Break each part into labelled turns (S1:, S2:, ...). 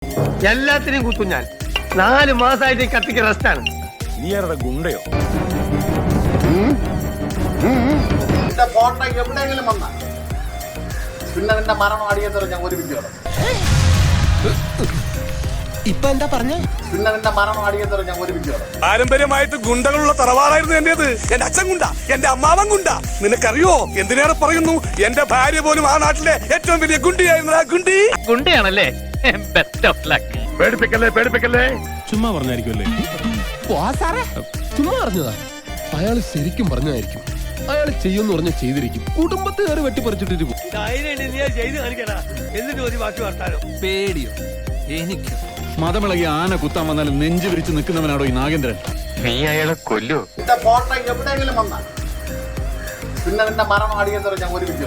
S1: എല്ലാത്തിനെയും കുത്തും ഞാൻ. 4 മാസമായിട്ട് കത്തിക്ക് റെസ്റ്റാണ്.
S2: നീ ആരുടെ ഗുണ്ടയോ?
S3: ഫോട്ടോ എവിടെയെങ്കിലും വന്ന പിന്നെ നിന്റെ മരണം അടിയന്തരം ഞാൻ ഒരുമിച്ച്
S4: ഇപ്പൊ എന്താ പറഞ്ഞ?
S3: പിന്നെ നിന്റെ മരണം അടിയന്തരം ഞാൻ ഒരുമിച്ച്
S2: പാരമ്പര്യമായിട്ട് ഗുണ്ടകളുള്ള തറവാടായിരുന്നു എന്റേത്. എന്റെ അച്ഛൻ ഗുണ്ട, എന്റെ അമ്മാവൻ ഗുണ്ട. നിനക്കറിയോ എന്തിനേറെ പറയുന്നു? എന്റെ ഭാര്യ പോലും ആ നാട്ടിലെ ഏറ്റവും വലിയ ഗുണ്ടിയായിരുന്നു. ആ ഗുണ്ടി
S5: ഗുണ്ടയാണല്ലേ? Best of luck.
S2: പേടിപ്പിക്കല്ലേ.
S6: ചുമ്മാ പറഞ്ഞായിരിക്കുമല്ലേ?
S4: ചുമ്മാ പറഞ്ഞതാ. അയാള് ശരിക്കും പറഞ്ഞതായിരിക്കും. അയാൾ ചെയ്യുമെന്ന് പറഞ്ഞ ചെയ്തിരിക്കും. കുടുംബത്തെ കയറി വെട്ടിപ്പറിച്ചിട്ടിട്ട് പോകും.
S5: പേടിയോ? എനിക്ക്
S6: മതമിളകി ആന കുത്താൻ വന്നാലും നെഞ്ചു വിരിച്ച് നിൽക്കുന്നവനാണോ ഈ നാഗേന്ദ്രൻ?
S5: നീ അയാളെ കൊല്ലോ?
S3: നിന്റെ ഫോട്ടോ എവിടെയെങ്കിലും വന്ന പിന്നെ നിന്റെ മരണം അടിയന്തരം ഞാൻ ഒരുമിച്ച്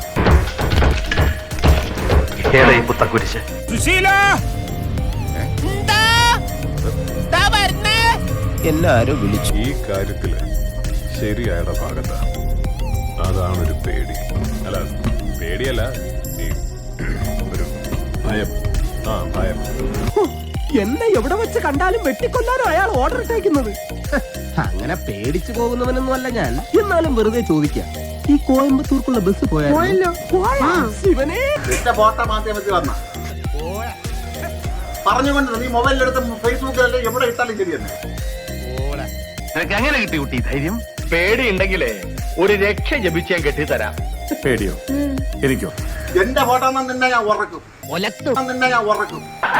S5: ഏതായി പുത്തക്കുരിശ്?
S4: എല്ലാരും വിളിച്ചു.
S2: ഈ കാര്യത്തില് ശരിയായുടെ ഭാഗത്താ. അതാണൊരു പേടി. അല്ല, പേടിയല്ല, ഒരു ഭയം. ഭയം.
S4: എന്നെ എവിടെ വെച്ച് കണ്ടാലും വെട്ടിക്കൊല്ലാനോ അയാൾ ഓർഡർ ഇട്ടേക്കുന്നത്. അങ്ങനെ പേടിച്ചു പോകുന്നവനൊന്നും അല്ല ഞാൻ. എന്നാലും വെറുതെ ചോദിക്കാം, ഈ കോയമ്പത്തൂർക്കുള്ള ബസ് പോയാലോ? ശിവനെ,
S3: നിന്റെ ഫോട്ടോ മാധ്യമത്തിൽ വന്ന പറഞ്ഞുകൊണ്ട് നീ മൊബൈലിലെടുത്ത് ഫേസ്ബുക്കിലല്ലേ എവിടെ ഇട്ടാലും ശരിയെന്ന്.
S5: നിനക്ക് അങ്ങനെ കിട്ടി കുട്ടി ധൈര്യം? പേടി ഉണ്ടെങ്കിലേ ഒരു രക്ഷ ജപിച്ച് ഞാൻ കെട്ടിത്തരാം.
S2: പേടിയോ? എനിക്കോ?
S3: എന്റെ ഫോട്ടോ നിന്നെ ഞാൻ ഉറക്കും. നിന്നെ ഞാൻ ഉറക്കും.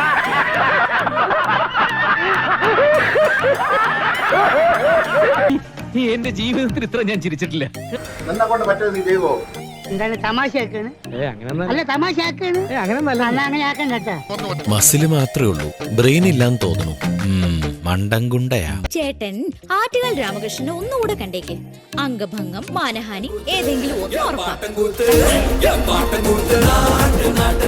S5: എന്റെ ജീവിതത്തിൽ ഇത്ര ഞാൻ ചിരിച്ചിട്ടില്ല.
S3: നിന്നെ കൊണ്ട് പറ്റുമോ നീ ചെയ്യുവോ?
S7: എന്താണ് തമാശയാക്കാണ്? അല്ല തമാശയാക്കാണ്. അങ്ങനെ ആക്കാൻ കേട്ടാ.
S8: മസില് മാത്രമേ ഉള്ളൂ, ബ്രെയിൻ ഇല്ലാന്ന് തോന്നുന്നു. മണ്ടൻകുണ്ടയാ
S9: ചേട്ടൻ ആറ്റുകാൽ രാമകൃഷ്ണനെ ഒന്നുകൂടെ കണ്ടേക്ക്. അംഗഭംഗം, മാനഹാനി ഏതെങ്കിലും ഒന്ന് ഉറപ്പാക്കും.